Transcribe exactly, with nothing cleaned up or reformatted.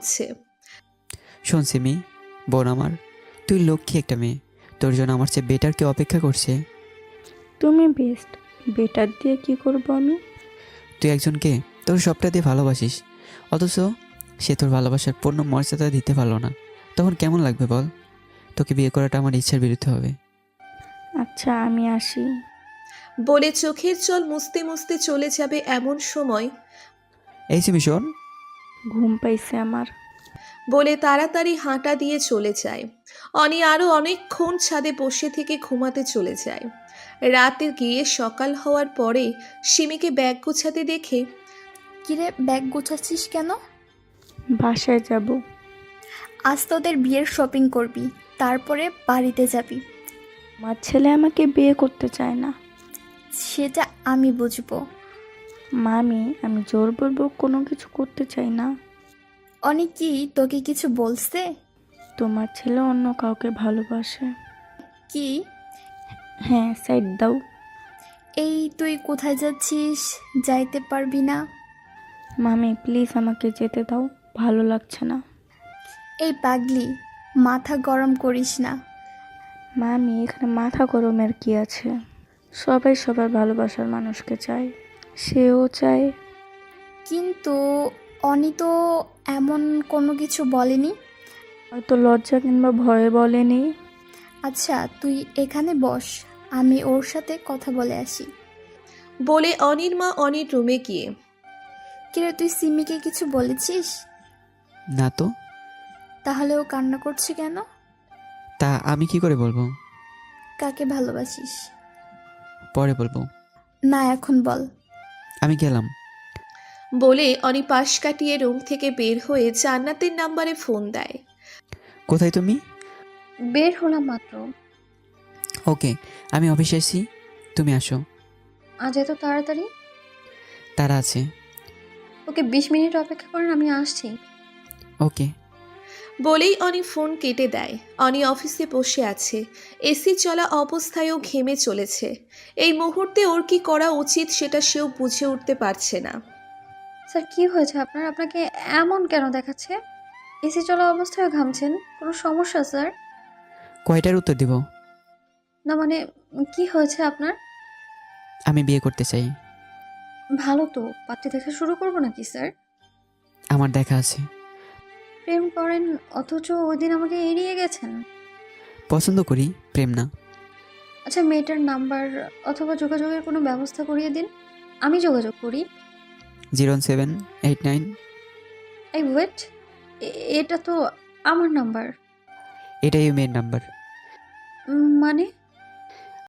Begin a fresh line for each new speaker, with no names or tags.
ছে
শোন সিমি, বোন আমার, তুই লক্ষ্মী একটা মেয়ে। তোর জন্য আমার চেয়ে বেটার কেউ অপেক্ষা করছে।
তুমি বেস্ট। বেটার দিয়ে কি করব আমি?
তুই একজনকে তোর সবটা দিয়ে ভালোবাসিস, অথচ সে তোর ভালোবাসার পূর্ণ মর্যাদা দিতে পারলো না। তখন কেমন লাগবে বল? তোকে বিয়ে করাটা আমার ইচ্ছার বিরুদ্ধে হবে।
আচ্ছা আমি আসি।
বলে চোখের জল মুছতে মুছতে চলে যাবে এমন সময়
এই সিমি শোন।
ঘুম পাইছে আমার।
বলে তাড়াতাড়ি হাঁটা দিয়ে চলে যায়। অনি আরও অনেকক্ষণ ছাদে বসে থেকে ঘুমাতে চলে যায়। রাতে গিয়ে সকাল হওয়ার পরে সিমিকে ব্যাগ গোছাতে দেখে
কিরে, ব্যাগ গোছাচ্ছিস কেন?
বাসায় যাব।
আজ তোদের বিয়ের শপিং করবি, তারপরে বাড়িতে যাবি।
আমার ছেলে আমাকে বিয়ে করতে চায় না।
সেটা আমি বুঝবো।
মামি, আমি জোরপূর্বক কোনো কিছু করতে চাই না।
অনেক কি তোকে কিছু বলছে?
তোমার ছেলে অন্য কাউকে ভালোবাসে।
কি?
হ্যাঁ, সাইড দাও।
এই তুই কোথায় যাচ্ছিস? যাইতে পারবি না।
মামি প্লিজ আমাকে যেতে দাও, ভালো লাগছে না।
এই পাগলি, মাথা গরম করিস না।
মামি, এখানে মাথা গরমের কি আছে? সবাই সবার ভালোবাসার মানুষকে চায়, সেও চায়।
কিন্তু অনি তো এমন কোনো কিছু বলেনি।
হয়তো লজ্জা কিংবা ভয়ে বলেনি।
আচ্ছা তুই এখানে বস, আমি ওর সাথে কথা বলে আসি।
বলে অনির মা অনির রুমে গিয়ে
কিরে, তুই সিমিকে কিছু বলেছিস?
না তো।
তাহলে ও কান্না করছে কেন?
তা আমি কি করে বলবো?
কাকে ভালোবাসিস?
পরে বলবো।
না, এখন বল।
আমি গেলাম।
বলে অনি পাশ কাটিয়ে রুম থেকে বের হয়ে জান্নাতের নাম্বারে ফোন দেয়।
কোথায় তুমি?
বের হলাম মাত্র।
ওকে, আমি অফিসে এসেছি, তুমি আসো।
আজ এত তাড়াতাড়ি?
তারা আছে।
ওকে বিশ মিনিট অপেক্ষা করেন, আমি আসছি।
ওকে।
বলেই অনি ফোন কেটে দেয়। অনি অফিসে বসে আছে, এসি চলা অবস্থায়ও ঘেমে চলেছে। এই মুহূর্তে ওর কি করা উচিত সেটা সেও বুঝে উঠতে পারছে না।
স্যার কি হয়েছে আপনার? আপনাকে এমন কেন দেখাচ্ছে? এসি চলা অবস্থায় ঘামছেন, কোনো সমস্যা স্যার?
কয়টার উত্তর দিব?
না মানে কি হয়েছে আপনার?
আমি বিয়ে করতে চাই।
ভালো তো, পাত্রী দেখা শুরু করবো নাকি স্যার?
আমার দেখা আছে।
প্রেম করেন অথচ ওই দিন আমাকে এড়িয়ে গেছেন।
পছন্দ করি, প্রেম না।
আচ্ছা মেয়েটার নাম্বার অথবা যোগাযোগের কোনো ব্যবস্থা করিয়ে দিন, আমি যোগাযোগ করি।
Zero seven eight nine.
এই ওয়েট, এটা তো আমার নাম্বার।
এটাই মেয়ের নাম্বার।
মানে